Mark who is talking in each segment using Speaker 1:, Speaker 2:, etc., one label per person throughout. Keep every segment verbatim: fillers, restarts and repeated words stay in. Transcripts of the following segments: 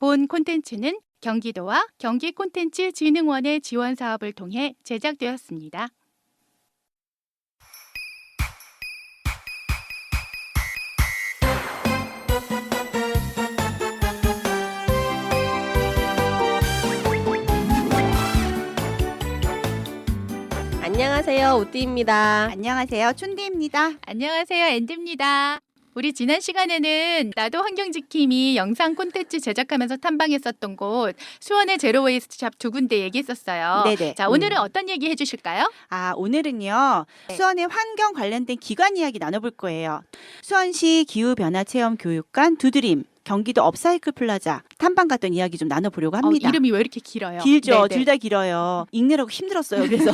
Speaker 1: 본 콘텐츠는 경기도와 경기콘텐츠진흥원의 지원 사업을 통해 제작되었습니다.
Speaker 2: 안녕하세요, 우띠입니다.
Speaker 3: 안녕하세요, 춘디입니다.
Speaker 1: 안녕하세요, 앤디입니다. 우리 지난 시간에는 나도 환경지킴이 영상 콘텐츠 제작하면서 탐방했었던 곳 수원의 제로웨이스트 샵 두 군데 얘기했었어요.
Speaker 3: 네네.
Speaker 1: 자, 오늘은 음. 어떤 얘기 해주실까요?
Speaker 3: 아, 오늘은요.
Speaker 1: 네.
Speaker 3: 수원의 환경 관련된 기관 이야기 나눠볼 거예요. 수원시 기후변화체험교육관 두드림, 경기도 업사이클 플라자 탐방 갔던 이야기 좀 나눠보려고 합니다.
Speaker 1: 어, 이름이 왜 이렇게 길어요?
Speaker 3: 길죠. 둘 다 길어요. 읽느라고 힘들었어요. 그래서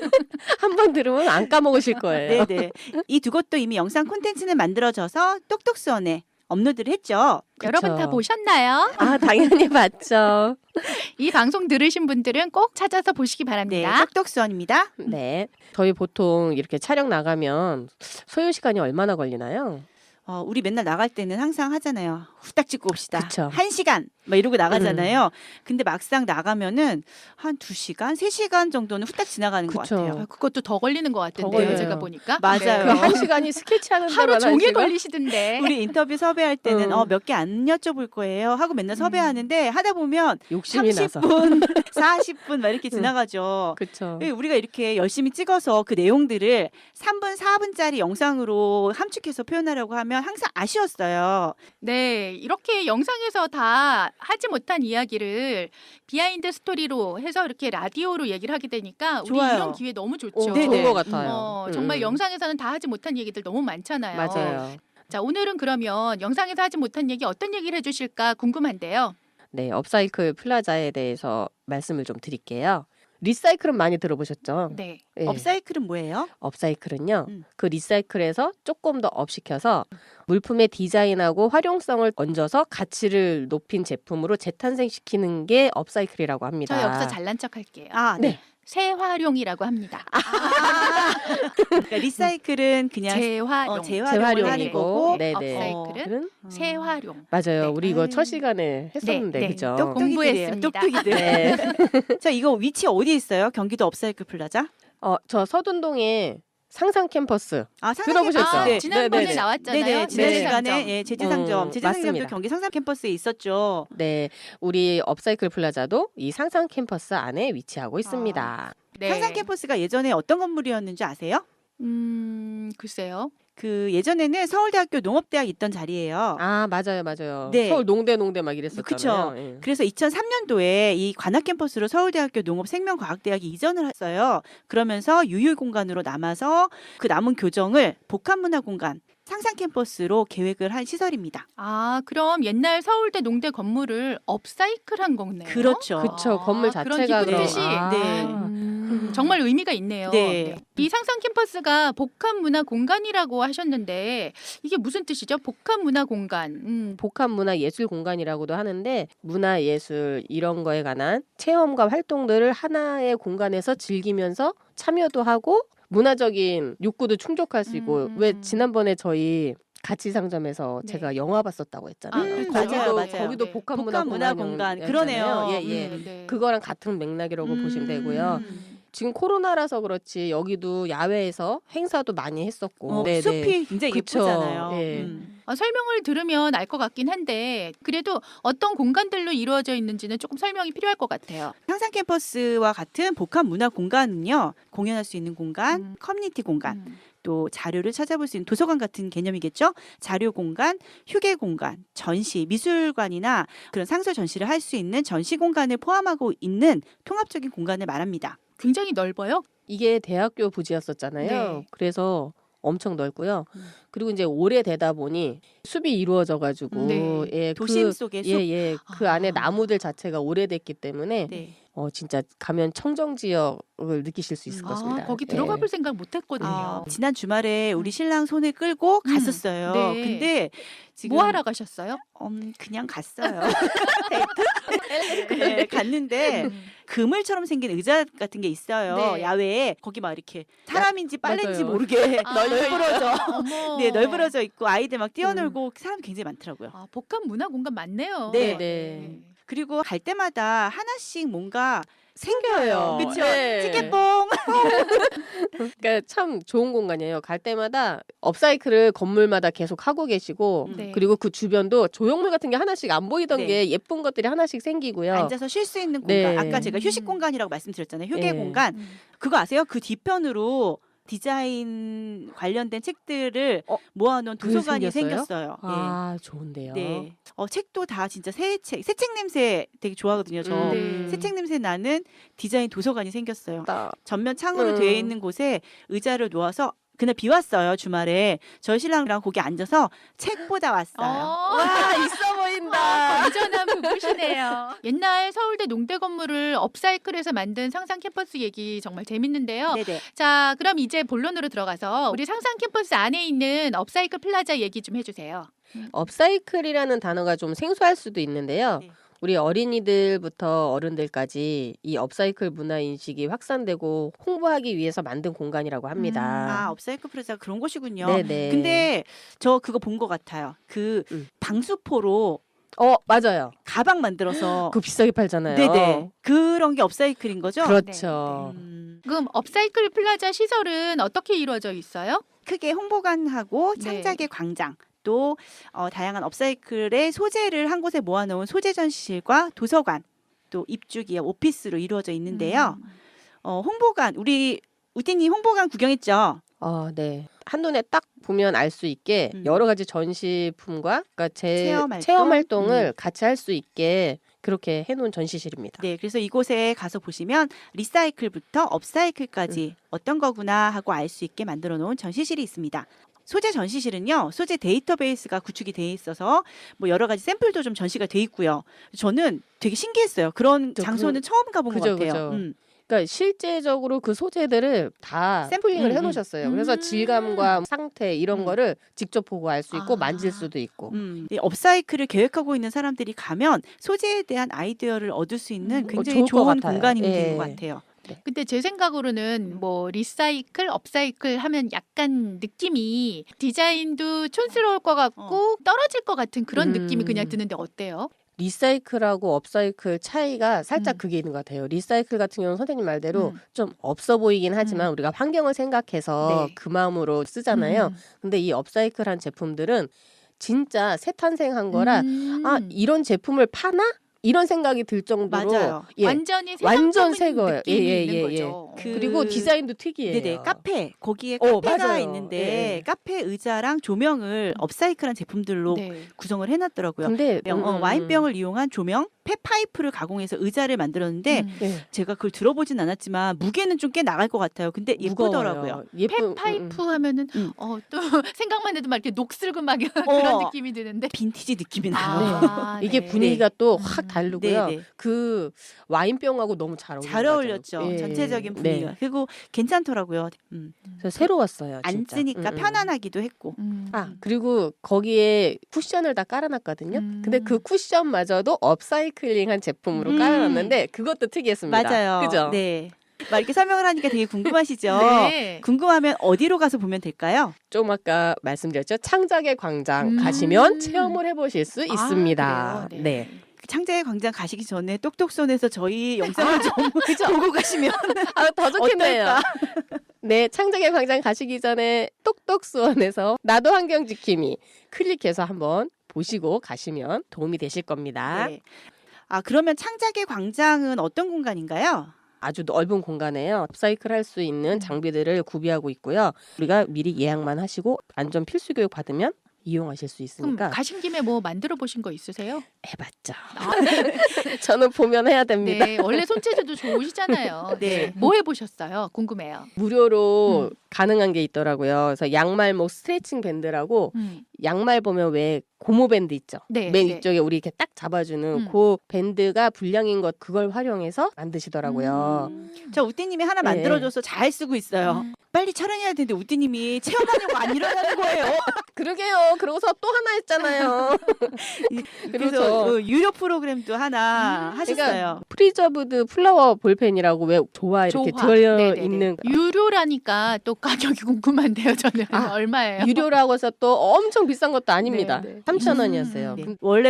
Speaker 2: 한 번 들으면 안 까먹으실 거예요.
Speaker 3: 네네. 이 두 곳도 이미 영상 콘텐츠는 만들어져서 똑똑수원에 업로드를 했죠.
Speaker 1: 여러분
Speaker 2: 그쵸.
Speaker 1: 다 보셨나요?
Speaker 2: 아, 당연히 봤죠.
Speaker 1: 이 방송 들으신 분들은 꼭 찾아서 보시기
Speaker 3: 네,
Speaker 1: 바랍니다.
Speaker 3: 똑똑수원입니다.
Speaker 2: 네. 저희 보통 이렇게 촬영 나가면 소요 시간이 얼마나 걸리나요?
Speaker 3: 어, 우리 맨날 나갈 때는 항상 하잖아요. 후딱 찍고 옵시다.
Speaker 2: 그쵸.
Speaker 3: 한 시간 막 이러고 나가잖아요. 근데 막상 나가면은 한 두 시간, 세 시간 정도는 후딱 지나가는 것
Speaker 2: 그쵸.
Speaker 3: 같아요.
Speaker 1: 아, 그것도 더 걸리는 것 같은데요.
Speaker 2: 걸려요.
Speaker 1: 제가 보니까.
Speaker 3: 맞아요.
Speaker 2: 그 한 시간이 스케치하는
Speaker 1: 하루
Speaker 2: 데만 한
Speaker 1: 종일
Speaker 2: 시간?
Speaker 1: 걸리시던데.
Speaker 3: 우리 인터뷰 섭외할 때는
Speaker 2: 음.
Speaker 3: 어, 몇 개 안 여쭤볼 거예요 하고 맨날 섭외하는데 하다 보면
Speaker 2: 욕심이
Speaker 3: 삼십
Speaker 2: 나서.
Speaker 3: 분, 사십 분 막 이렇게
Speaker 2: 음.
Speaker 3: 지나가죠.
Speaker 2: 그렇죠.
Speaker 3: 예, 우리가 이렇게 열심히 찍어서 그 내용들을 삼 분, 사 분짜리 영상으로 함축해서 표현하려고 하면 항상 아쉬웠어요.
Speaker 1: 네, 이렇게 영상에서 다 하지 못한 이야기를 비하인드 스토리로 해서 이렇게 라디오로 얘기를 하게 되니까 우리
Speaker 3: 좋아요.
Speaker 1: 이런 기회 너무 좋죠.
Speaker 2: 어,
Speaker 3: 네네.
Speaker 2: 좋은 것 같아요.
Speaker 1: 어,
Speaker 2: 음,
Speaker 1: 정말
Speaker 2: 음.
Speaker 1: 영상에서는 다 하지 못한 얘기들 너무 많잖아요.
Speaker 2: 맞아요.
Speaker 1: 자, 오늘은 그러면 영상에서 하지 못한 얘기 어떤 얘기를 해주실까 궁금한데요.
Speaker 2: 네, 업사이클 플라자에 대해서 말씀을 좀 드릴게요. 리사이클은 많이 들어보셨죠?
Speaker 1: 네.
Speaker 2: 네.
Speaker 3: 업사이클은 뭐예요?
Speaker 2: 업사이클은요.
Speaker 3: 음.
Speaker 2: 그 리사이클에서 조금 더 업시켜서 물품의 디자인하고 활용성을 얹어서 가치를 높인 제품으로 재탄생시키는 게 업사이클이라고 합니다.
Speaker 1: 저 여기서 잘난 척 할게요.
Speaker 3: 아, 네.
Speaker 2: 네.
Speaker 1: 재활용이라고 합니다.
Speaker 3: 그러니까 리사이클은 그냥
Speaker 1: 재활용.
Speaker 3: 어, 재활용을 하는
Speaker 2: 재활용이고,
Speaker 3: 거고
Speaker 2: 네네.
Speaker 1: 업사이클은
Speaker 3: 어.
Speaker 1: 재활용.
Speaker 2: 맞아요.
Speaker 1: 네.
Speaker 2: 우리 이거 첫
Speaker 3: 아유.
Speaker 2: 시간에 했었는데,
Speaker 1: 네, 네.
Speaker 2: 그죠?
Speaker 1: 똑똑-
Speaker 3: 똑똑이들이에요.
Speaker 1: 공부했습니다.
Speaker 3: 똑똑이들.
Speaker 2: 네.
Speaker 3: 자, 이거 위치 어디에 있어요? 경기도 업사이클 플라자?
Speaker 2: 어, 저 서둔동에 상상 캠퍼스.
Speaker 3: 아,
Speaker 2: 들어보셨죠?
Speaker 1: 아,
Speaker 3: 네.
Speaker 1: 지난번에
Speaker 2: 네네네.
Speaker 1: 나왔잖아요.
Speaker 3: 네네. 지난
Speaker 2: 네.
Speaker 3: 시간에 예, 제주상점,
Speaker 2: 음,
Speaker 3: 제주상점도
Speaker 2: 맞습니다.
Speaker 3: 경기 상상 캠퍼스에 있었죠.
Speaker 2: 네, 우리 업사이클 플라자도 이 상상 캠퍼스 안에 위치하고 있습니다.
Speaker 1: 네.
Speaker 3: 상상 캠퍼스가 예전에 어떤 건물이었는지 아세요?
Speaker 1: 음, 글쎄요.
Speaker 3: 그 예전에는 서울대학교 농업대학 있던 자리예요.
Speaker 2: 아, 맞아요, 맞아요.
Speaker 3: 네.
Speaker 2: 서울 농대 농대 막 이랬었잖아요.
Speaker 3: 그쵸.
Speaker 2: 예.
Speaker 3: 그래서 이천삼 년도에 이 관악 캠퍼스로 서울대학교 농업생명과학대학이 이전을 했어요. 그러면서 유휴 공간으로 남아서 그 남은 교정을 복합문화공간 상상 캠퍼스로 계획을 한 시설입니다.
Speaker 1: 아, 그럼 옛날 서울대 농대 건물을 업사이클한 거네요.
Speaker 3: 그렇죠.
Speaker 2: 그쵸,
Speaker 1: 아,
Speaker 2: 건물
Speaker 1: 그런
Speaker 2: 자체가
Speaker 1: 기쁜
Speaker 3: 그런-
Speaker 1: 뜻이.
Speaker 2: 아.
Speaker 3: 네.
Speaker 1: 음, 정말 의미가 있네요.
Speaker 3: 네.
Speaker 1: 이 상상 캠퍼스가 복합 문화 공간이라고 하셨는데 이게 무슨 뜻이죠? 복합 문화 공간. 음,
Speaker 2: 복합 문화 예술 공간이라고도 하는데 문화 예술 이런 거에 관한 체험과 활동들을 하나의 공간에서 즐기면서 참여도 하고 문화적인 욕구도 충족할 수 있고
Speaker 1: 음,
Speaker 2: 왜
Speaker 1: 음.
Speaker 2: 지난번에 저희 가치 상점에서
Speaker 1: 네.
Speaker 2: 제가 영화 봤었다고 했잖아요.
Speaker 1: 아,
Speaker 3: 음,
Speaker 1: 그렇죠.
Speaker 3: 맞아요,
Speaker 2: 거기도
Speaker 3: 맞아요.
Speaker 2: 거기도
Speaker 1: 네.
Speaker 2: 복합 문화
Speaker 3: 복합 문화 공간. 그러네요.
Speaker 2: 예, 예.
Speaker 1: 음, 네.
Speaker 2: 그거랑 같은 맥락이라고 보시면 되고요.
Speaker 1: 음.
Speaker 2: 지금 코로나라서 그렇지 여기도 야외에서 행사도 많이 했었고
Speaker 3: 어,
Speaker 2: 네네.
Speaker 3: 숲이 굉장히
Speaker 2: 그쵸.
Speaker 3: 예쁘잖아요.
Speaker 2: 예.
Speaker 3: 음.
Speaker 1: 아, 설명을 들으면 알 것 같긴 한데 그래도 어떤 공간들로 이루어져 있는지는 조금 설명이 필요할 것 같아요.
Speaker 3: 상상 캠퍼스와 같은 복합 문화 공간은요. 공연할 수 있는 공간,
Speaker 1: 음.
Speaker 3: 커뮤니티 공간,
Speaker 1: 음.
Speaker 3: 또 자료를 찾아볼 수 있는 도서관 같은 개념이겠죠. 자료 공간, 휴게 공간, 전시, 미술관이나 그런 상설 전시를 할 수 있는 전시 공간을 포함하고 있는 통합적인 공간을 말합니다.
Speaker 1: 굉장히 넓어요.
Speaker 2: 이게 대학교 부지였었잖아요.
Speaker 1: 네.
Speaker 2: 그래서 엄청 넓고요.
Speaker 1: 음.
Speaker 2: 그리고 이제 오래되다 보니 숲이 이루어져 가지고
Speaker 1: 네.
Speaker 2: 예,
Speaker 3: 도심
Speaker 2: 그,
Speaker 3: 속의 숲.
Speaker 2: 예, 예. 그
Speaker 1: 아.
Speaker 2: 안에 나무들 자체가 오래됐기 때문에
Speaker 3: 네.
Speaker 2: 어 진짜 가면 청정 지역을 느끼실 수 있을
Speaker 3: 음.
Speaker 2: 것 같습니다.
Speaker 1: 아, 거기
Speaker 2: 예.
Speaker 1: 들어가 볼 생각 못 했거든요.
Speaker 3: 아, 지난 주말에 우리 신랑 손을 끌고
Speaker 1: 음.
Speaker 3: 갔었어요.
Speaker 1: 네.
Speaker 3: 근데 지금
Speaker 1: 뭐 하러 가셨어요?
Speaker 3: 음, 그냥 갔어요. 데이트? 네, 갔는데
Speaker 1: 음.
Speaker 3: 그물처럼 생긴 의자 같은 게 있어요.
Speaker 1: 네.
Speaker 3: 야외에 거기 막 이렇게 사람인지 빨래인지
Speaker 2: 맞아요.
Speaker 3: 모르게
Speaker 1: 아.
Speaker 3: 널브러져.
Speaker 1: 어머.
Speaker 3: 네, 널브러져 있고 아이들 막 뛰어놀고 사람 굉장히 많더라고요.
Speaker 1: 아, 복합 문화 공간 맞네요.
Speaker 3: 네.
Speaker 2: 네.
Speaker 3: 그리고 갈 때마다 하나씩 뭔가
Speaker 2: 생겨요.
Speaker 3: 그렇죠.
Speaker 2: 네.
Speaker 3: 찌개뽕.
Speaker 2: 그러니까 참 좋은 공간이에요. 갈 때마다 업사이클을 건물마다 계속 하고 계시고
Speaker 3: 음.
Speaker 1: 네.
Speaker 2: 그리고 그 주변도 조형물 같은 게 하나씩 안 보이던
Speaker 3: 네.
Speaker 2: 게 예쁜 것들이 하나씩 생기고요.
Speaker 3: 앉아서 쉴 수 있는 공간.
Speaker 2: 네.
Speaker 3: 아까 제가 휴식
Speaker 1: 음.
Speaker 3: 공간이라고 말씀드렸잖아요. 휴게
Speaker 2: 네.
Speaker 3: 공간.
Speaker 1: 음.
Speaker 3: 그거 아세요? 그 뒤편으로 디자인 관련된 책들을
Speaker 2: 어?
Speaker 3: 모아놓은
Speaker 2: 그게
Speaker 3: 도서관이
Speaker 2: 생겼어요?
Speaker 3: 생겼어요.
Speaker 2: 아 좋은데요.
Speaker 3: 네. 네. 어, 책도 다 진짜 새 책, 새 책 냄새 되게 좋아하거든요. 저.
Speaker 2: 음.
Speaker 3: 새 책 냄새 나는 디자인 도서관이 생겼어요.
Speaker 2: 나-
Speaker 3: 전면 창으로
Speaker 2: 음.
Speaker 3: 되어 있는 곳에 의자를 놓아서 그날 비 왔어요. 주말에 저희 신랑이랑 거기 앉아서 책 보다 왔어요.
Speaker 1: 어.
Speaker 2: 와 있어
Speaker 1: 아,
Speaker 2: 보인다.
Speaker 1: 건전한 부부시네요. 옛날 서울대 농대 건물을 업사이클해서 만든 상상 캠퍼스 얘기 정말 재밌는데요.
Speaker 3: 네네.
Speaker 1: 자, 그럼 이제 본론으로 들어가서 우리 상상 캠퍼스 안에 있는 업사이클 플라자 얘기 좀 해주세요.
Speaker 2: 업사이클이라는 단어가 좀 생소할 수도 있는데요.
Speaker 3: 네.
Speaker 2: 우리 어린이들부터 어른들까지 이 업사이클 문화 인식이 확산되고 홍보하기 위해서 만든 공간이라고 합니다.
Speaker 3: 아, 업사이클 프로젝트가 그런 곳이군요.
Speaker 2: 네네.
Speaker 3: 근데 저 그거 본 것 같아요. 그
Speaker 2: 음.
Speaker 3: 방수포로
Speaker 2: 어 맞아요.
Speaker 3: 가방 만들어서
Speaker 2: 그거 비싸게 팔잖아요.
Speaker 3: 네네 그런 게 업사이클인 거죠?
Speaker 2: 그렇죠.
Speaker 3: 음,
Speaker 1: 그럼 업사이클 플라자 시설은 어떻게 이루어져 있어요?
Speaker 3: 크게 홍보관하고
Speaker 1: 네.
Speaker 3: 창작의 광장 또 어, 다양한 업사이클의 소재를 한 곳에 모아놓은 소재 전시실과 도서관 또 입주기의 오피스로 이루어져 있는데요.
Speaker 1: 음.
Speaker 3: 어, 홍보관 우리 우띠님 홍보관 구경했죠?
Speaker 2: 어, 네. 한눈에 딱 보면 알 수 있게
Speaker 3: 음.
Speaker 2: 여러 가지 전시품과 그러니까 제
Speaker 3: 체험 활동?
Speaker 2: 체험 활동을
Speaker 3: 음.
Speaker 2: 같이 할 수 있게 그렇게 해놓은 전시실입니다.
Speaker 3: 네, 그래서 이곳에 가서 보시면 리사이클부터 업사이클까지 어떤 거구나 하고 알 수 있게 만들어 놓은 전시실이 있습니다. 소재 전시실은요, 소재 데이터베이스가 구축이 돼 있어서 뭐 여러 가지 샘플도 좀 전시가 돼 있고요. 저는 되게 신기했어요. 그런
Speaker 2: 저
Speaker 3: 장소는
Speaker 2: 그-
Speaker 3: 처음 가본
Speaker 2: 그죠,
Speaker 3: 것 같아요.
Speaker 2: 그죠.
Speaker 3: 음.
Speaker 2: 그러니까 실제적으로 그 소재들을 다 샘플링을
Speaker 3: 음,
Speaker 2: 해놓으셨어요.
Speaker 1: 음.
Speaker 2: 그래서 질감과 상태 이런
Speaker 3: 음.
Speaker 2: 거를 직접 보고 알 수 있고
Speaker 1: 아.
Speaker 2: 만질 수도 있고.
Speaker 3: 음, 이 업사이클을 계획하고 있는 사람들이 가면 소재에 대한 아이디어를 얻을 수 있는
Speaker 1: 음.
Speaker 3: 굉장히
Speaker 2: 어, 좋을 것
Speaker 3: 좋은
Speaker 2: 같아요.
Speaker 3: 공간인
Speaker 2: 예.
Speaker 3: 것 같아요.
Speaker 1: 근데 제 생각으로는 뭐 리사이클, 업사이클 하면 약간 느낌이 디자인도 촌스러울 것 같고 떨어질 것 같은 그런
Speaker 2: 음.
Speaker 1: 느낌이 그냥 드는데 어때요?
Speaker 2: 리사이클하고 업사이클 차이가 살짝
Speaker 1: 음.
Speaker 2: 그게 있는 것 같아요. 리사이클 같은 경우는 선생님 말대로
Speaker 1: 음.
Speaker 2: 좀 없어 보이긴 하지만 우리가 환경을 생각해서
Speaker 1: 네.
Speaker 2: 그 마음으로 쓰잖아요.
Speaker 1: 음.
Speaker 2: 근데 이 업사이클한 제품들은 진짜 새 탄생한 거라
Speaker 1: 음.
Speaker 2: 아 이런 제품을 파나? 이런 생각이 들 정도로
Speaker 3: 맞아요.
Speaker 2: 예.
Speaker 1: 완전히 새
Speaker 2: 완전
Speaker 1: 상품인
Speaker 2: 새 거예요.
Speaker 1: 느낌이
Speaker 2: 예, 예,
Speaker 1: 있는
Speaker 2: 예,
Speaker 1: 거죠.
Speaker 3: 그-
Speaker 2: 그리고 디자인도 특이해요.
Speaker 3: 네네 카페 거기에
Speaker 2: 어,
Speaker 3: 카페가
Speaker 2: 맞아요.
Speaker 3: 있는데
Speaker 2: 예.
Speaker 3: 카페 의자랑 조명을 업사이클한 제품들로
Speaker 1: 네.
Speaker 3: 구성을 해놨더라고요.
Speaker 2: 근데
Speaker 3: 병- 어,
Speaker 2: 음, 음,
Speaker 3: 와인병을 이용한 조명, 폐파이프를 가공해서 의자를 만들었는데
Speaker 1: 음.
Speaker 2: 예.
Speaker 3: 제가 그걸 들어보진 않았지만 무게는 좀 꽤 나갈 것 같아요. 근데 예쁘더라고요.
Speaker 2: 무거워요. 예쁜
Speaker 1: 폐파이프
Speaker 2: 음, 음.
Speaker 1: 하면은
Speaker 3: 음.
Speaker 1: 어, 또 생각만 해도 막 이렇게 녹슬그막
Speaker 3: 어.
Speaker 1: 그런 느낌이 드는데
Speaker 3: 빈티지 느낌이 나요.
Speaker 1: 아,
Speaker 2: 이게
Speaker 1: 네.
Speaker 2: 분위기가 또
Speaker 1: 음.
Speaker 2: 확 다르고요.
Speaker 3: 네, 네.
Speaker 2: 그 와인병하고 너무 잘 어울려요.
Speaker 3: 잘 어울렸죠.
Speaker 2: 예.
Speaker 3: 전체적인 분위기가.
Speaker 2: 네.
Speaker 3: 그리고 괜찮더라고요. 음.
Speaker 2: 그래서 새로웠어요. 진짜.
Speaker 3: 앉으니까
Speaker 2: 음, 음.
Speaker 3: 편안하기도 했고.
Speaker 1: 음.
Speaker 2: 아 그리고 거기에 쿠션을 다 깔아놨거든요.
Speaker 1: 음.
Speaker 2: 근데 그 쿠션마저도 업사이클링한 제품으로
Speaker 3: 음.
Speaker 2: 깔아놨는데 그것도 특이했습니다.
Speaker 3: 맞아요.
Speaker 2: 그죠?
Speaker 3: 네. 막 이렇게 설명을 하니까 되게 궁금하시죠?
Speaker 1: 네.
Speaker 3: 궁금하면 어디로 가서 보면 될까요?
Speaker 2: 좀 아까 말씀드렸죠. 창작의 광장
Speaker 1: 음.
Speaker 2: 가시면 체험을 해보실 수
Speaker 1: 아,
Speaker 2: 있습니다.
Speaker 1: 그래요?
Speaker 2: 네.
Speaker 3: 창작의 광장 가시기 전에 똑똑손에서 저희 영상을 좀 보고 가시면
Speaker 2: 아, 더 좋겠네요.
Speaker 3: 어떨까?
Speaker 2: 네, 창작의 광장 가시기 전에 똑똑수원에서 나도 환경 지킴이 클릭해서 한번 보시고 가시면 도움이 되실 겁니다.
Speaker 3: 네. 아 그러면 창작의 광장은 어떤 공간인가요?
Speaker 2: 아주 넓은 공간에요. 업사이클 할 수 있는 장비들을 구비하고 있고요. 우리가 미리 예약만 하시고 안전 필수 교육 받으면 이용하실 수
Speaker 1: 그럼
Speaker 2: 있으니까
Speaker 1: 가신 김에 뭐 만들어 보신 거 있으세요?
Speaker 2: 해봤죠.
Speaker 1: 아,
Speaker 2: 저는 보면 해야 됩니다.
Speaker 1: 네, 원래 손재주도 좋으시잖아요.
Speaker 3: 네.
Speaker 1: 뭐 해보셨어요? 궁금해요.
Speaker 2: 무료로
Speaker 1: 음.
Speaker 2: 가능한 게 있더라고요. 그래서 양말목 스트레칭 밴드라고
Speaker 1: 음.
Speaker 2: 양말 보면 왜 고무 밴드 있죠?
Speaker 1: 네,
Speaker 2: 맨
Speaker 1: 네.
Speaker 2: 위쪽에 우리 이렇게 딱 잡아주는
Speaker 1: 음.
Speaker 2: 그 밴드가 불량인 것 그걸 활용해서 만드시더라고요.
Speaker 1: 음.
Speaker 3: 저 우띠님이 하나
Speaker 2: 네.
Speaker 3: 만들어줘서 잘 쓰고 있어요.
Speaker 1: 음.
Speaker 3: 빨리 촬영해야 되는데 우띠님이 체험하려고 안 일어나는 거예요.
Speaker 2: 그러게요. 그러고서 또 하나 했잖아요.
Speaker 3: 그래서
Speaker 2: 그래서
Speaker 3: 어, 유료 프로그램도 하나
Speaker 1: 음.
Speaker 3: 하셨어요.
Speaker 2: 프리저브드 플라워 볼펜이라고 왜 조화 이렇게
Speaker 1: 조화.
Speaker 2: 들어
Speaker 1: 네네네.
Speaker 2: 있는
Speaker 1: 유료라니까 또 가격이 궁금한데요. 저는
Speaker 2: 아,
Speaker 1: 얼마예요?
Speaker 2: 유료라고 해서 또 엄청 엄청 비싼 것도 아닙니다.
Speaker 1: 네, 네.
Speaker 2: 삼천 원이었어요.
Speaker 3: 네. 원래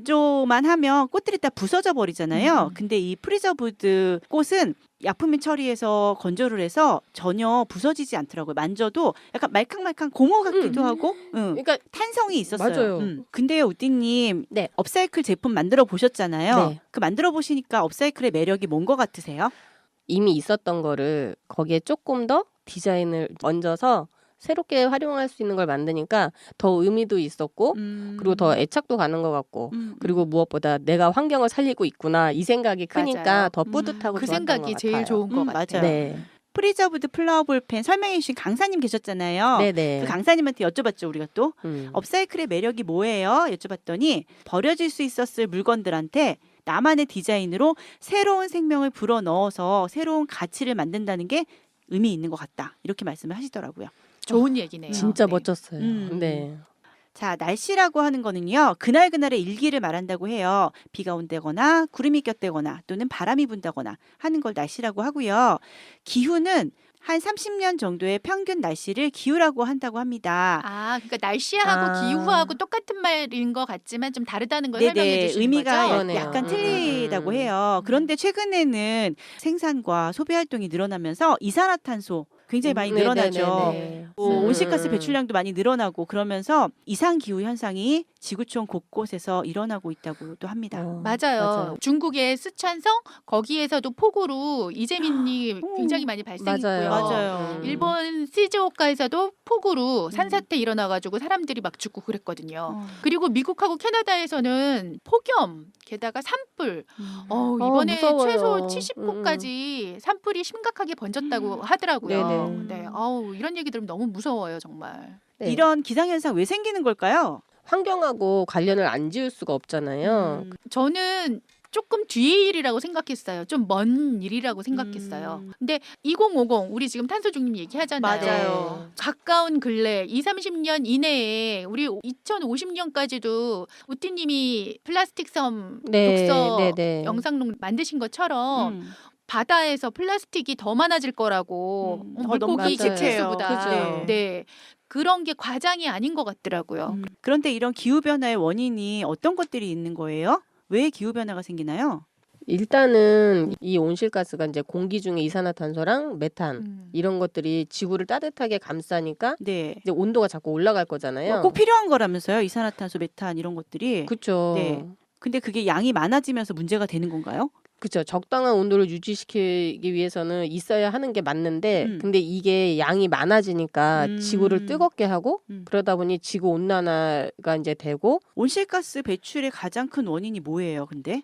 Speaker 3: 건조만 하면 꽃들이 다 부서져 버리잖아요.
Speaker 1: 음.
Speaker 3: 근데 이 프리저브드 꽃은 약품민 처리해서 건조를 해서 전혀 부서지지 않더라고요. 만져도 약간 말캉말캉 고무 같기도
Speaker 2: 음.
Speaker 3: 하고 응.
Speaker 2: 그러니까
Speaker 3: 탄성이 있었어요.
Speaker 2: 맞아요.
Speaker 3: 음. 근데요, 우띠님
Speaker 2: 네.
Speaker 3: 업사이클 제품 만들어 보셨잖아요.
Speaker 2: 네.
Speaker 3: 그 만들어 보시니까 업사이클의 매력이 뭔 것 같으세요?
Speaker 2: 이미 있었던 거를 거기에 조금 더 디자인을 얹어서 새롭게 활용할 수 있는 걸 만드니까 더 의미도 있었고
Speaker 3: 음.
Speaker 2: 그리고 더 애착도 가는 것 같고
Speaker 3: 음.
Speaker 2: 그리고 무엇보다 내가 환경을 살리고 있구나 이 생각이 크니까
Speaker 1: 맞아요.
Speaker 2: 더
Speaker 3: 음.
Speaker 2: 뿌듯하고
Speaker 1: 그
Speaker 2: 좋았던
Speaker 1: 생각이
Speaker 2: 것
Speaker 1: 제일
Speaker 2: 같아요.
Speaker 1: 좋은 것
Speaker 3: 음,
Speaker 1: 같아요.
Speaker 3: 맞아요.
Speaker 2: 네,
Speaker 3: 프리저브드 플라워 볼펜 설명해 주신 강사님 계셨잖아요.
Speaker 2: 네네.
Speaker 3: 그 강사님한테 여쭤봤죠, 우리가 또.
Speaker 2: 음.
Speaker 3: 업사이클의 매력이 뭐예요? 여쭤봤더니 버려질 수 있었을 물건들한테 나만의 디자인으로 새로운 생명을 불어넣어서 새로운 가치를 만든다는 게 의미 있는 것 같다. 이렇게 말씀을 하시더라고요.
Speaker 1: 좋은 얘기네요.
Speaker 2: 진짜
Speaker 1: 네.
Speaker 2: 멋졌어요.
Speaker 3: 음.
Speaker 2: 네.
Speaker 3: 자, 날씨라고 하는 거는요. 그날그날의 일기를 말한다고 해요. 비가 온다거나 구름이 꼈다거나 또는 바람이 분다거나 하는 걸 날씨라고 하고요. 기후는 한 삼십 년 정도의 평균 날씨를 기후라고 한다고 합니다.
Speaker 1: 아, 그러니까 날씨하고
Speaker 2: 아.
Speaker 1: 기후하고 똑같은 말인 것 같지만 좀 다르다는 걸 설명해
Speaker 3: 네네,
Speaker 1: 주시는
Speaker 3: 의미가
Speaker 1: 거죠?
Speaker 3: 야-
Speaker 2: 그러네요.
Speaker 3: 약간
Speaker 2: 음,
Speaker 3: 틀리다고
Speaker 2: 음, 음.
Speaker 3: 해요.
Speaker 1: 음.
Speaker 3: 그런데 최근에는 생산과 소비 활동이 늘어나면서 이산화탄소 굉장히 많이
Speaker 2: 음,
Speaker 3: 늘어나죠.
Speaker 2: 네네네.
Speaker 3: 뭐
Speaker 2: 음,
Speaker 3: 온실가스
Speaker 2: 음, 음.
Speaker 3: 배출량도 많이 늘어나고 그러면서 이상 기후 현상이 지구촌 곳곳에서 일어나고 있다고도 합니다.
Speaker 2: 어,
Speaker 1: 맞아요. 중국의 쓰촨성 거기에서도 폭우로 이재민이
Speaker 3: 오.
Speaker 1: 굉장히 많이 발생했고요.
Speaker 2: 맞아요.
Speaker 3: 맞아요.
Speaker 2: 음.
Speaker 1: 일본 시즈오카에서도 폭우로
Speaker 3: 음.
Speaker 1: 산사태 일어나가지고 사람들이 막 죽고 그랬거든요.
Speaker 3: 어.
Speaker 1: 그리고 미국하고 캐나다에서는 폭염, 게다가 산불.
Speaker 3: 음.
Speaker 1: 어,
Speaker 2: 어,
Speaker 1: 이번에
Speaker 2: 무서워요.
Speaker 1: 최소 칠십 호까지 산불이 심각하게 번졌다고 하더라고요.
Speaker 2: 네네.
Speaker 1: 네, 아우 이런 얘기 들으면 너무 무서워요, 정말.
Speaker 2: 네.
Speaker 3: 이런 기상현상 왜 생기는 걸까요?
Speaker 2: 환경하고 관련을 안 지을 수가 없잖아요.
Speaker 3: 음.
Speaker 1: 저는 조금 뒤의 일이라고 생각했어요. 좀 먼 일이라고 생각했어요.
Speaker 3: 음.
Speaker 1: 근데 이천오십 우리 지금 탄소 중립 얘기하잖아요.
Speaker 3: 맞아요.
Speaker 1: 가까운 근래 이십, 삼십 년 이내에 우리 이천오십 년까지도 우티님이 플라스틱 섬
Speaker 2: 네,
Speaker 1: 독서
Speaker 2: 네, 네.
Speaker 1: 영상록 만드신 것처럼
Speaker 3: 음.
Speaker 1: 바다에서 플라스틱이 더 많아질 거라고
Speaker 3: 음.
Speaker 1: 어,
Speaker 3: 어, 너무
Speaker 1: 물고기
Speaker 2: 끔찍해요.
Speaker 1: 개체수보다
Speaker 2: 그죠.
Speaker 1: 네. 그런 게 과장이 아닌 것 같더라고요.
Speaker 3: 음. 그런데 이런 기후 변화의 원인이 어떤 것들이 있는 거예요? 왜 기후 변화가 생기나요?
Speaker 2: 일단은 이 온실가스가 이제 공기 중에 이산화탄소랑 메탄
Speaker 1: 음.
Speaker 2: 이런 것들이 지구를 따뜻하게 감싸니까
Speaker 3: 네.
Speaker 2: 이제 온도가 자꾸 올라갈 거잖아요.
Speaker 3: 꼭 필요한 거라면서요. 이산화탄소, 메탄 이런 것들이.
Speaker 2: 그렇죠.
Speaker 3: 네. 근데 그게 양이 많아지면서 문제가 되는 건가요?
Speaker 2: 그렇죠. 적당한 온도를 유지시키기 위해서는 있어야 하는 게 맞는데
Speaker 3: 음.
Speaker 2: 근데 이게 양이 많아지니까
Speaker 3: 음.
Speaker 2: 지구를 뜨겁게 하고
Speaker 3: 음.
Speaker 2: 그러다 보니 지구 온난화가 이제 되고
Speaker 3: 온실가스 배출의 가장 큰 원인이 뭐예요, 근데?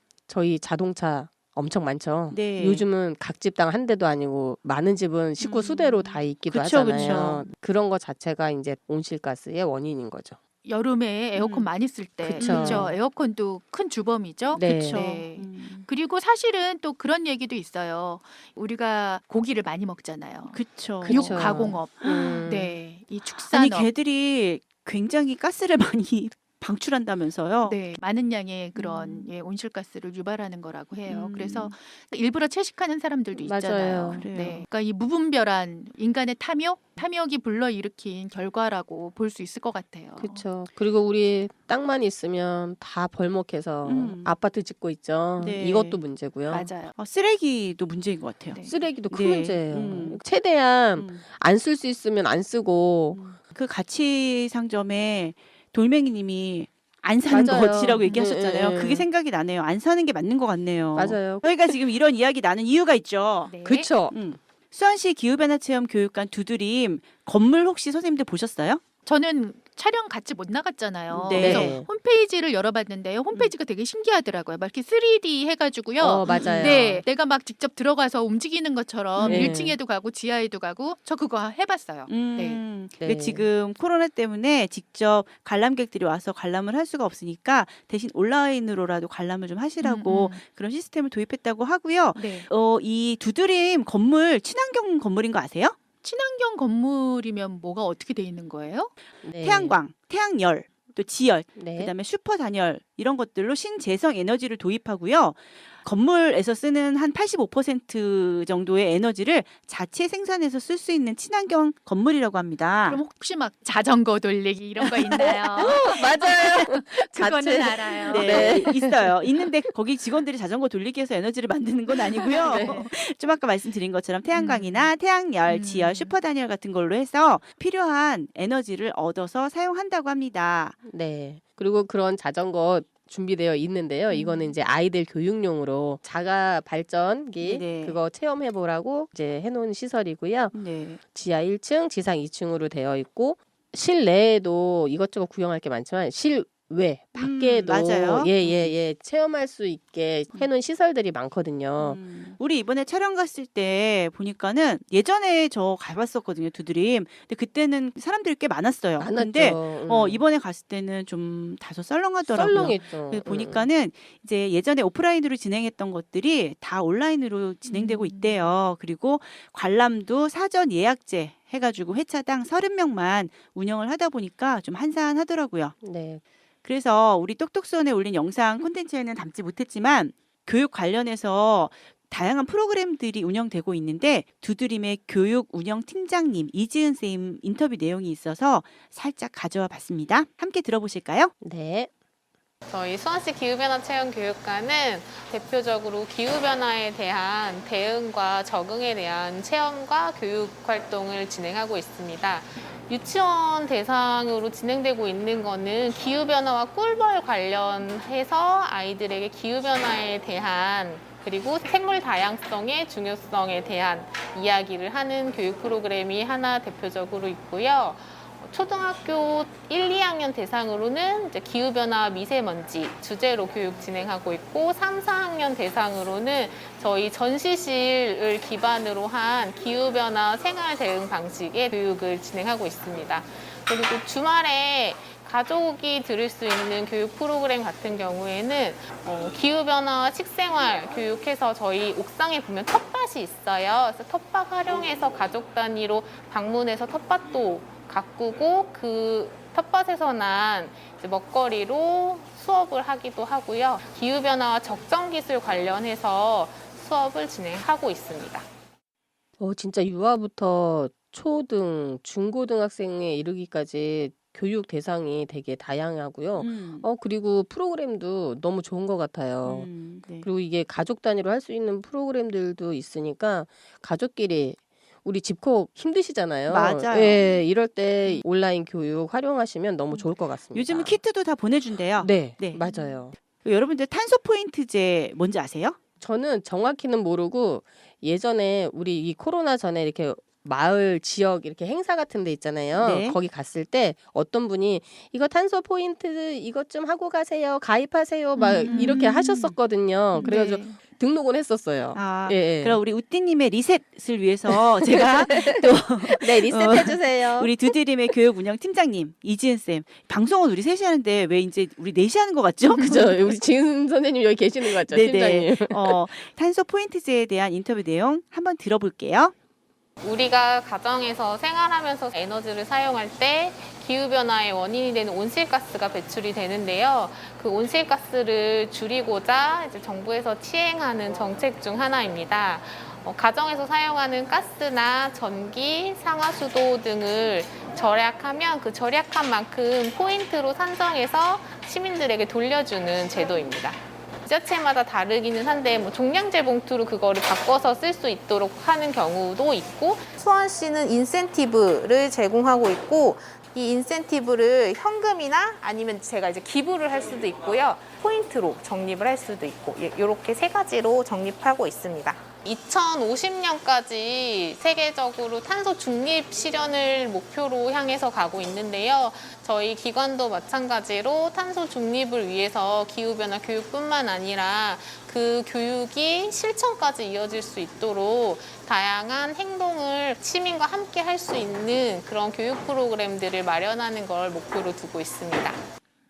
Speaker 2: 저희 자동차 엄청 많죠.
Speaker 3: 네.
Speaker 2: 요즘은 각 집당 한 대도 아니고 많은 집은 식구
Speaker 3: 음.
Speaker 2: 수대로 다 있기도
Speaker 3: 그쵸,
Speaker 2: 하잖아요.
Speaker 3: 그쵸.
Speaker 2: 그런 거 자체가 이제 온실가스의 원인인 거죠.
Speaker 1: 여름에 에어컨
Speaker 3: 음.
Speaker 1: 많이 쓸 때
Speaker 2: 그쵸.
Speaker 1: 그렇죠. 에어컨도 큰 주범이죠.
Speaker 2: 네.
Speaker 3: 그쵸.
Speaker 1: 네.
Speaker 3: 음.
Speaker 1: 그리고 사실은 또 그런 얘기도 있어요. 우리가 고기를 많이 먹잖아요.
Speaker 3: 그쵸.
Speaker 2: 그쵸.
Speaker 1: 육 가공업.
Speaker 2: 음.
Speaker 1: 네. 이
Speaker 3: 아니,
Speaker 1: 축산업.
Speaker 3: 개들이 굉장히 가스를 많이 방출한다면서요?
Speaker 1: 네, 많은 양의 그런
Speaker 3: 음.
Speaker 1: 예, 온실가스를 유발하는 거라고 해요.
Speaker 3: 음.
Speaker 1: 그래서 일부러 채식하는 사람들도 있잖아요.
Speaker 2: 맞아요.
Speaker 3: 그래요.
Speaker 1: 네, 그러니까 이 무분별한 인간의 탐욕, 탐욕이 불러일으킨 결과라고 볼 수 있을 것 같아요.
Speaker 2: 그렇죠. 그리고 우리 땅만 있으면 다 벌목해서
Speaker 3: 음.
Speaker 2: 아파트 짓고 있죠.
Speaker 3: 네.
Speaker 2: 이것도 문제고요.
Speaker 1: 맞아요.
Speaker 3: 어, 쓰레기도 문제인 것 같아요.
Speaker 1: 네.
Speaker 2: 쓰레기도 큰
Speaker 3: 네.
Speaker 2: 문제예요.
Speaker 3: 음.
Speaker 2: 최대한
Speaker 3: 음.
Speaker 2: 안 쓸 수 있으면 안 쓰고
Speaker 3: 음. 그 가치 상점에 돌멩이님이 안 사는
Speaker 2: 맞아요.
Speaker 3: 것이라고 얘기하셨잖아요.
Speaker 2: 네, 네.
Speaker 3: 그게 생각이 나네요. 안 사는 게 맞는 것 같네요.
Speaker 2: 맞아요.
Speaker 3: 저희가 지금 이런 이야기 나는 이유가 있죠.
Speaker 1: 네.
Speaker 2: 그렇죠.
Speaker 3: 음. 수원시 기후변화체험 교육관 두드림 건물 혹시 선생님들 보셨어요?
Speaker 1: 저는 촬영 같이 못 나갔잖아요.
Speaker 3: 네.
Speaker 1: 그래서 홈페이지를 열어봤는데요. 홈페이지가 되게 신기하더라고요. 막 이렇게 쓰리디 해가지고요.
Speaker 2: 어, 맞아요.
Speaker 1: 네, 내가 막 직접 들어가서 움직이는 것처럼
Speaker 2: 네.
Speaker 1: 일 층에도 가고 지하에도 가고 저 그거 해봤어요.
Speaker 3: 음,
Speaker 2: 네.
Speaker 3: 근데 지금 코로나 때문에 직접 관람객들이 와서 관람을 할 수가 없으니까 대신 온라인으로라도 관람을 좀 하시라고
Speaker 1: 음, 음.
Speaker 3: 그런 시스템을 도입했다고 하고요.
Speaker 1: 네.
Speaker 3: 어, 이 두드림 건물 친환경 건물인 거 아세요?
Speaker 1: 친환경 건물이면 뭐가 어떻게 돼 있는 거예요?
Speaker 2: 네.
Speaker 3: 태양광, 태양열, 또 지열,
Speaker 2: 네.
Speaker 3: 그다음에 슈퍼 단열 이런 것들로 신재생 에너지를 도입하고요. 건물에서 쓰는 한 팔십오 퍼센트 정도의 에너지를 자체 생산해서 쓸 수 있는 친환경 건물이라고 합니다.
Speaker 1: 그럼 혹시 막 자전거 돌리기 이런 거 있나요?
Speaker 2: 맞아요.
Speaker 1: 그거는
Speaker 2: 자체-
Speaker 1: 알아요.
Speaker 3: 네, 있어요. 있는데 거기 직원들이 자전거 돌리기 위해서 에너지를 만드는 건 아니고요.
Speaker 2: 네.
Speaker 3: 좀 아까 말씀드린 것처럼 태양광이나 태양열,
Speaker 1: 음.
Speaker 3: 지열, 슈퍼단열 같은 걸로 해서 필요한 에너지를 얻어서 사용한다고 합니다.
Speaker 2: 네. 그리고 그런 자전거 준비되어 있는데요.
Speaker 1: 음.
Speaker 2: 이거는 이제 아이들 교육용으로 자가 발전기
Speaker 3: 네네.
Speaker 2: 그거 체험해 보라고 이제 해놓은 시설이고요.
Speaker 3: 네.
Speaker 2: 지하 일 층, 지상 이 층으로 되어 있고 실내에도 이것저것 구경할 게 많지만 실외 밖에도
Speaker 3: 음, 맞아요.
Speaker 2: 예예예 체험할 수 있게 해놓은 시설들이 많거든요.
Speaker 3: 음. 우리 이번에 촬영 갔을 때 보니까는 예전에 저 가봤었거든요, 두드림. 근데 그때는 사람들이 꽤 많았어요.
Speaker 2: 많았죠.
Speaker 3: 근데
Speaker 2: 음.
Speaker 3: 어, 이번에 갔을 때는 좀 다소 썰렁하더라고요.
Speaker 2: 썰렁했죠.
Speaker 3: 그래서
Speaker 2: 음.
Speaker 3: 보니까는 이제 예전에 오프라인으로 진행했던 것들이 다 온라인으로 진행되고
Speaker 1: 음.
Speaker 3: 있대요. 그리고 관람도 사전 예약제 해가지고 회차당 서른 명만 운영을 하다 보니까 좀 한산하더라고요.
Speaker 2: 네.
Speaker 3: 그래서 우리 똑똑수원에 올린 영상 콘텐츠에는 담지 못했지만 교육 관련해서 다양한 프로그램들이 운영되고 있는데 두드림의 교육 운영 팀장님 이지은 쌤 인터뷰 내용이 있어서 살짝 가져와 봤습니다. 함께 들어보실까요?
Speaker 2: 네.
Speaker 4: 저희 수원시 기후변화 체험 교육과는 대표적으로 기후변화에 대한 대응과 적응에 대한 체험과 교육 활동을 진행하고 있습니다. 유치원 대상으로 진행되고 있는 거는 기후변화와 꿀벌 관련해서 아이들에게 기후변화에 대한 그리고 생물 다양성의 중요성에 대한 이야기를 하는 교육 프로그램이 하나 대표적으로 있고요. 초등학교 일, 이 학년 대상으로는 이제 기후변화 미세먼지 주제로 교육 진행하고 있고 삼, 사 학년 대상으로는 저희 전시실을 기반으로 한 기후변화 생활 대응 방식의 교육을 진행하고 있습니다. 그리고 주말에 가족이 들을 수 있는 교육 프로그램 같은 경우에는 어, 기후변화 식생활 교육해서 저희 옥상에 보면 텃밭이 있어요. 그래서 텃밭 활용해서 가족 단위로 방문해서 텃밭도 가꾸고 그 텃밭에서 난 이제 먹거리로 수업을 하기도 하고요. 기후변화와 적정 기술 관련해서 수업을 진행하고 있습니다.
Speaker 2: 어, 진짜 유아부터 초등, 중고등학생에 이르기까지 교육 대상이 되게 다양하고요.
Speaker 3: 음.
Speaker 2: 어, 그리고 프로그램도 너무 좋은 것 같아요.
Speaker 3: 음, 네.
Speaker 2: 그리고 이게 가족 단위로 할 수 있는 프로그램들도 있으니까 가족끼리 우리 집콕 힘드시잖아요.
Speaker 3: 맞아요.
Speaker 2: 예, 이럴 때 온라인 교육 활용하시면 너무 좋을 것 같습니다.
Speaker 3: 요즘은 키트도 다 보내준대요.
Speaker 2: 네,
Speaker 3: 네.
Speaker 2: 맞아요.
Speaker 3: 여러분들 탄소 포인트제 뭔지 아세요?
Speaker 2: 저는 정확히는 모르고 예전에 우리 이 코로나 전에 이렇게 마을 지역 이렇게 행사 같은 데 있잖아요.
Speaker 3: 네.
Speaker 2: 거기 갔을 때 어떤 분이 이거 탄소 포인트 이것 좀 하고 가세요. 가입하세요. 막
Speaker 1: 음.
Speaker 2: 이렇게 하셨었거든요. 그래가지고
Speaker 1: 네.
Speaker 2: 등록은 했었어요.
Speaker 3: 아,
Speaker 2: 예, 예.
Speaker 3: 그럼 우리 우띠님의 리셋을 위해서 제가 또
Speaker 2: 네, 리셋해 주세요.
Speaker 3: 우리 두드림의 교육 운영 팀장님 이지은 쌤 방송은 우리 셋이 하는데 왜 이제 우리 넷이 하는 것 같죠?
Speaker 2: 그죠. 우리 지은 선생님 여기 계시는 거 같죠,
Speaker 3: 네네.
Speaker 2: 팀장님.
Speaker 3: 어, 탄소 포인트제에 대한 인터뷰 내용 한번 들어볼게요.
Speaker 4: 우리가 가정에서 생활하면서 에너지를 사용할 때 기후변화의 원인이 되는 온실가스가 배출이 되는데요. 그 온실가스를 줄이고자 이제 정부에서 시행하는 정책 중 하나입니다. 어, 가정에서 사용하는 가스나 전기, 상하수도 등을 절약하면 그 절약한 만큼 포인트로 산정해서 시민들에게 돌려주는 제도입니다. 지자체마다 다르기는 한데 뭐 종량제 봉투로 그거를 바꿔서 쓸 수 있도록 하는 경우도 있고 수원시는 인센티브를 제공하고 있고 이 인센티브를 현금이나 아니면 제가 이제 기부를 할 수도 있고요. 포인트로 적립을 할 수도 있고 이렇게 세 가지로 적립하고 있습니다. 이천오십 년까지 세계적으로 탄소 중립 실현을 목표로 향해서 가고 있는데요. 저희 기관도 마찬가지로 탄소 중립을 위해서 기후변화 교육뿐만 아니라 그 교육이 실천까지 이어질 수 있도록 다양한 행동을 시민과 함께 할 수 있는 그런 교육 프로그램들을 마련하는 걸 목표로 두고 있습니다.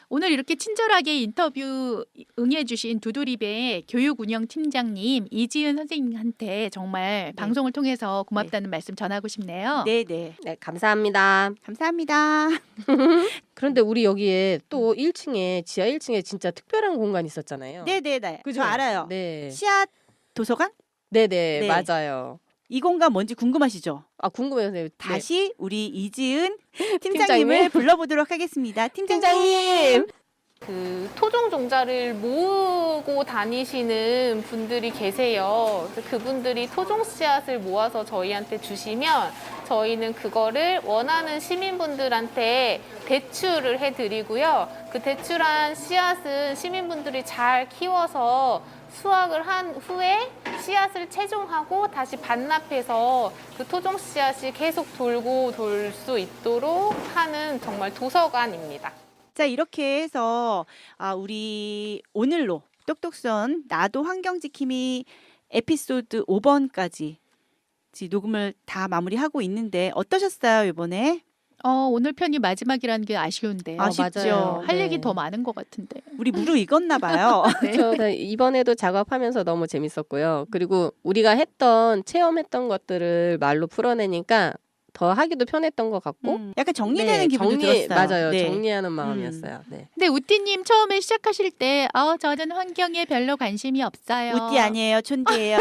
Speaker 1: 오늘 이렇게 친절하게 인터뷰 응해주신 두두립의 교육운영팀장님 이지은 선생님한테 정말 방송을 통해서 고맙다는 말씀 전하고 싶네요.
Speaker 3: 네, 네.
Speaker 2: 네, 감사합니다.
Speaker 3: 감사합니다.
Speaker 2: 그런데 우리 여기에 또 일 층에 지하 일 층에 진짜 특별한 공간이 있었잖아요.
Speaker 3: 네, 네, 네.
Speaker 2: 그죠?
Speaker 3: 저 알아요.
Speaker 2: 네.
Speaker 3: 씨앗 도서관?
Speaker 2: 네, 네,
Speaker 3: 네.
Speaker 2: 맞아요.
Speaker 3: 이 공간 뭔지 궁금하시죠?
Speaker 2: 아, 궁금해요, 선생님. 네.
Speaker 3: 다시 우리 이지은 팀장님을
Speaker 2: 팀장님.
Speaker 3: 불러보도록 하겠습니다. 팀장님.
Speaker 2: 팀장님.
Speaker 4: 그 토종 종자를 모으고 다니시는 분들이 계세요. 그래서 그분들이 토종 씨앗을 모아서 저희한테 주시면 저희는 그거를 원하는 시민분들한테 대출을 해드리고요. 그 대출한 씨앗은 시민분들이 잘 키워서 수확을 한 후에 씨앗을 채종하고 다시 반납해서 그 토종 씨앗이 계속 돌고 돌 수 있도록 하는 정말 도서관입니다.
Speaker 3: 자, 이렇게 해서 아, 우리 오늘로 똑똑선 나도 환경지킴이 에피소드 오 번까지 녹음을 다 마무리하고 있는데 어떠셨어요, 이번에?
Speaker 1: 어, 오늘 편이 마지막이라는 게 아쉬운데요.
Speaker 3: 아쉽죠.
Speaker 2: 맞아요.
Speaker 1: 할
Speaker 2: 네.
Speaker 1: 얘기 더 많은 것 같은데.
Speaker 3: 우리 무르익었나 봐요.
Speaker 1: 네.
Speaker 2: 저 이번에도 작업하면서 너무 재밌었고요. 그리고 우리가 했던 체험했던 것들을 말로 풀어내니까 더 하기도 편했던 것 같고
Speaker 3: 음, 약간 정리되는
Speaker 2: 네,
Speaker 3: 기분도
Speaker 2: 정리,
Speaker 3: 들었어요.
Speaker 2: 맞아요.
Speaker 3: 네.
Speaker 2: 정리하는 마음이었어요. 네.
Speaker 1: 근데 우띠님 처음에 시작하실 때, 어, 저는 환경에 별로 관심이 없어요.
Speaker 3: 우띠 아니에요, 촌디예요.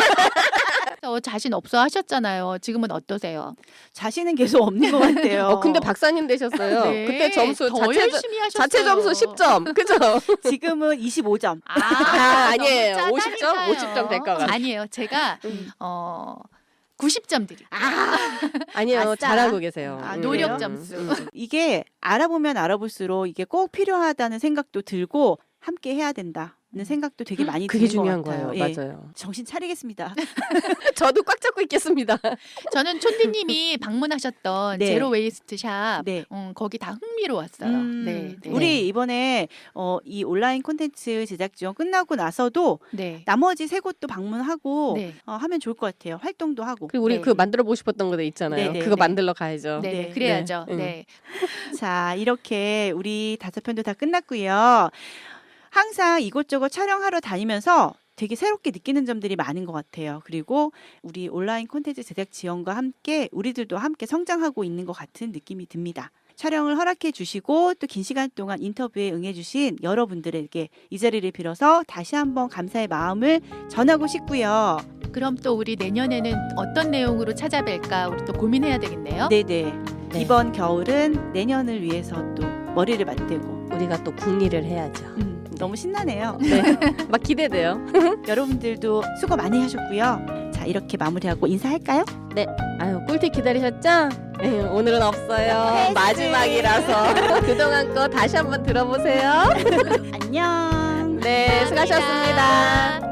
Speaker 1: 어, 자신 없어 하셨잖아요. 지금은 어떠세요?
Speaker 3: 자신은 계속 없는 것 같아요.
Speaker 2: 어, 근데 박사님 되셨어요.
Speaker 1: 네,
Speaker 2: 그때 점수
Speaker 1: 더
Speaker 2: 자체,
Speaker 1: 열심히 하셨어요.
Speaker 2: 자체 점수 십 점. 그죠?
Speaker 3: 지금은 이십오 점.
Speaker 1: 아,
Speaker 2: 아, 아니에요.
Speaker 1: 너무
Speaker 2: 오십 점?
Speaker 1: 짜다니까요.
Speaker 2: 오십 점 될 것 같아요.
Speaker 1: 아니에요. 제가
Speaker 2: 음.
Speaker 1: 어 구십 점 드릴게요.
Speaker 2: 아니에요.
Speaker 3: 아싸.
Speaker 2: 잘하고 계세요.
Speaker 3: 아,
Speaker 2: 음.
Speaker 1: 노력
Speaker 3: 그래요?
Speaker 1: 점수.
Speaker 2: 음.
Speaker 3: 이게 알아보면 알아볼수록 이게 꼭 필요하다는 생각도 들고 함께 해야 된다는 생각도 되게 많이
Speaker 2: 그게
Speaker 3: 드는 것
Speaker 2: 중요한
Speaker 3: 같아요.
Speaker 2: 거예요.
Speaker 3: 예.
Speaker 2: 맞아요.
Speaker 3: 정신 차리겠습니다.
Speaker 2: 저도 꽉 잡고 있겠습니다.
Speaker 1: 저는 촌디님이 방문하셨던
Speaker 3: 네.
Speaker 1: 제로 웨이스트 샵,
Speaker 3: 네.
Speaker 1: 음, 거기 다 흥미로웠어요.
Speaker 3: 음,
Speaker 1: 네, 네.
Speaker 3: 우리 이번에 어, 이 온라인 콘텐츠 제작 지원 끝나고 나서도
Speaker 1: 네.
Speaker 3: 나머지 세 곳도 방문하고
Speaker 1: 네.
Speaker 3: 어, 하면 좋을 것 같아요. 활동도 하고.
Speaker 2: 그리고 우리
Speaker 1: 네.
Speaker 2: 그 만들어 보고 싶었던 거 있잖아요.
Speaker 3: 네, 네,
Speaker 2: 그거
Speaker 3: 네.
Speaker 2: 만들러 가야죠.
Speaker 1: 네,
Speaker 3: 네.
Speaker 1: 그래야죠.
Speaker 2: 네.
Speaker 1: 네.
Speaker 3: 자, 이렇게 우리 다섯 편도 다 끝났고요. 항상 이곳저곳 촬영하러 다니면서 되게 새롭게 느끼는 점들이 많은 것 같아요. 그리고 우리 온라인 콘텐츠 제작 지원과 함께 우리들도 함께 성장하고 있는 것 같은 느낌이 듭니다. 촬영을 허락해 주시고 또 긴 시간 동안 인터뷰에 응해 주신 여러분들에게 이 자리를 빌어서 다시 한번 감사의 마음을 전하고 싶고요.
Speaker 1: 그럼 또 우리 내년에는 어떤 내용으로 찾아뵐까 우리 또 고민해야 되겠네요.
Speaker 3: 네네.
Speaker 2: 네.
Speaker 3: 이번 겨울은 내년을 위해서 또 머리를 맞대고
Speaker 2: 우리가 또 궁리를 해야죠.
Speaker 3: 음, 너무 신나네요.
Speaker 2: 네. 막 기대돼요.
Speaker 3: 여러분들도 수고 많이 하셨고요. 자, 이렇게 마무리하고 인사할까요?
Speaker 2: 아유, 꿀팁 기다리셨죠? 네, 오늘은 없어요.
Speaker 3: 패스.
Speaker 2: 마지막이라서 그동안 거 다시 한번 들어보세요.
Speaker 3: 안녕.
Speaker 2: 네, 수고하셨습니다.
Speaker 1: 감사합니다.